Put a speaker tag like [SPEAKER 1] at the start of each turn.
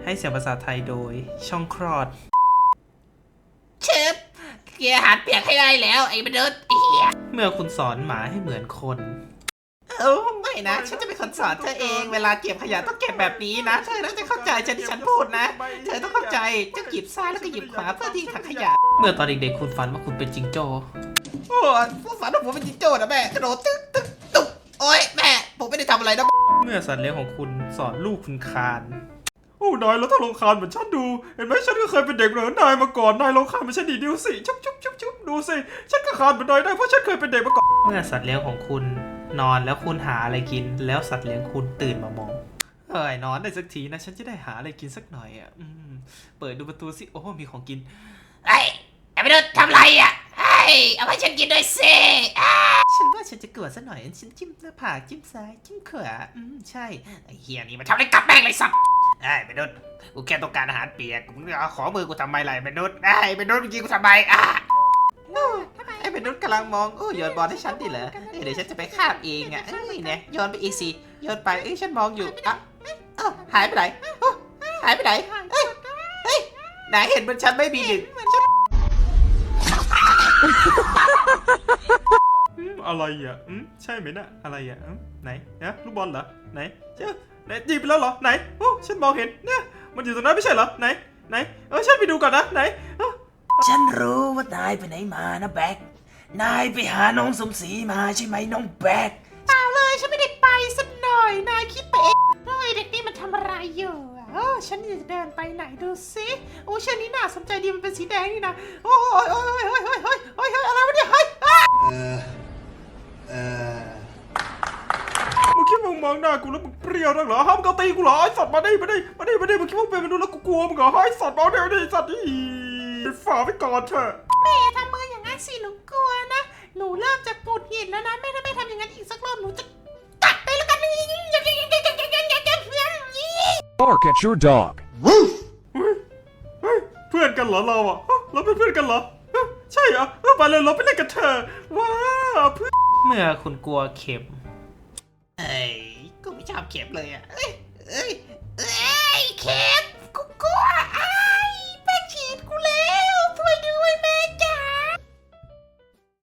[SPEAKER 1] ให้เสียงภาษาไทยโดยช่องคลอด
[SPEAKER 2] เชฟเกียร์อาหารเปียกให้ได้แล้วไอ้มนุษย์เหี้ย
[SPEAKER 1] เมื่อคุณสอนหมาให้เหมือนคน
[SPEAKER 2] ไม่นะฉันจะเป็นคนสอนเธอเองเวลาเก็บขยะต้องเก็บแบบนี้นะเธอต้องจะเข้าใจที่ฉันพูดนะเธอต้องเข้าใจจะหยิบซ้ายแล้วก็หยิบขวาเพื่อทิ้งถังขยะ
[SPEAKER 1] เมื่อตอนเด็กๆคุณฝันว่าคุณเป็นจิงโจ้
[SPEAKER 2] โอ้ผู้ฝันว่าผมเป็นจิงโจ้นะแม่กระโดดตึ๊กตึ๊กตุ๊บโอ้ยแม่ผมไม่ได้ทำอะไรนะ
[SPEAKER 1] เมื่อสัตว์เลี้ยงของคุณสอนลูกคุณคาน
[SPEAKER 3] โอ้นายแล้วถ้าลงคานเหมือนฉันดูเห็นไหมฉันก็เคยเป็นเด็กเหมือนนายมาก่อนนายลงคานไม่ใช่ดีดูสิชุบดูสิฉันก็คานเหมือนนายได้เพราะฉันเคยเป็นเด็กมาก่อน
[SPEAKER 1] เมื่อสัตว์เลี้ยงของคุณนอนแล้วคุณหาอะไรกินแล้วสัตว์เลี้ยงคุณตื่นมามองนอนได้สักทีนะฉันจะได้หาอะไรกินสักหน่อยอ่ะเปิดดูประตูสิโอ้มีของกิน
[SPEAKER 2] ไอ้มนุษย์ทำไรอ่ะเอาให้ฉันกินด้วยสิ
[SPEAKER 1] ฉันว่าฉันจะเกิดซะหน่อยฉันจิ้มหน้าผากจิ้มซ้ายจิ้มขวาใช่
[SPEAKER 2] ไอ้เฮียนี่มันทำอะไรกับแม่งเลยสัตว์ไอ้มนุษย์กูแค่ต้องการอาหารเปียกมึงเอาขอมือกูทำไมไรมนุษย์มนุษย์มึงกินกูทำไม
[SPEAKER 1] ไอ้มนุษย์กำลังมองโยนบอลให้ฉันดิเหรอเดี๋ยวฉันจะไปคาบเองอ่ะเนี่ยโยนไปอีกสิโยนไปฉันมองอยู่หายไปไหนหายไปไหนไหนเห็นมันฉันไม่มีหนึ่ง
[SPEAKER 3] อะไรอ่ะใช่ไหมน่ะอะไรอ่ะไหนนะลูกบอลเหรอไหนเจ้าไหนจีบไปแล้วเหรอไหนโอ้ฉันมองเห็นเนี่ยมันอยู่ตรงนั้นไม่ใช่เหรอไหนฉันไปดูก่อนนะไหน
[SPEAKER 2] ฉันรู้ว่านายไปไหนมานะแบกนายไปหาน้องสมศรีมาใช่ไหมน้องแบกเปล่าเลยฉันไม่ได้ไปสักหน่อยนายคิดไปเองเด็กนี่มันทำอะไรอยู่ฉันจะเดินไปไหนดูสิโอ้เชือกนี้น่าสนใจดีมันเป็นสีแดงนี่นะโอ้ยอะไรวะเนี่ย
[SPEAKER 3] มึงคิดมึงมองหน้ากูแล้วมึงเปรี้ยวนักเหรอห้ามกตีกูเหรอไอ้สัตว์มาดิมึงคิดมึงเป็นมนุษย์แล้วกูกลัวมึงเหรอไอ้สัตว์มาเดี๋ยวดิสัตว์ฝ่าไปก่อนเถอะ
[SPEAKER 2] แม่ทำมืออย่างนั้นสิหนูกลัวนะหนูเริ่มจะปวดหินแล้วนะแม่ถ้าไม่ทำอย่างนั้นอีกสักรอบหนูจะตัดไปแล้วกัน
[SPEAKER 4] Bark at your dog
[SPEAKER 3] เพื่อนกันเหรอเราอ่ะเราเป็นเพื่อนกันเหรอใช่เหรอไปเลยเราไปเล่นกันเถอะว้าเพื่อน
[SPEAKER 1] เมื่อคุณกลัวเข็ม
[SPEAKER 2] กูไม่ชอบเข็มเลยอ่ะเข็ม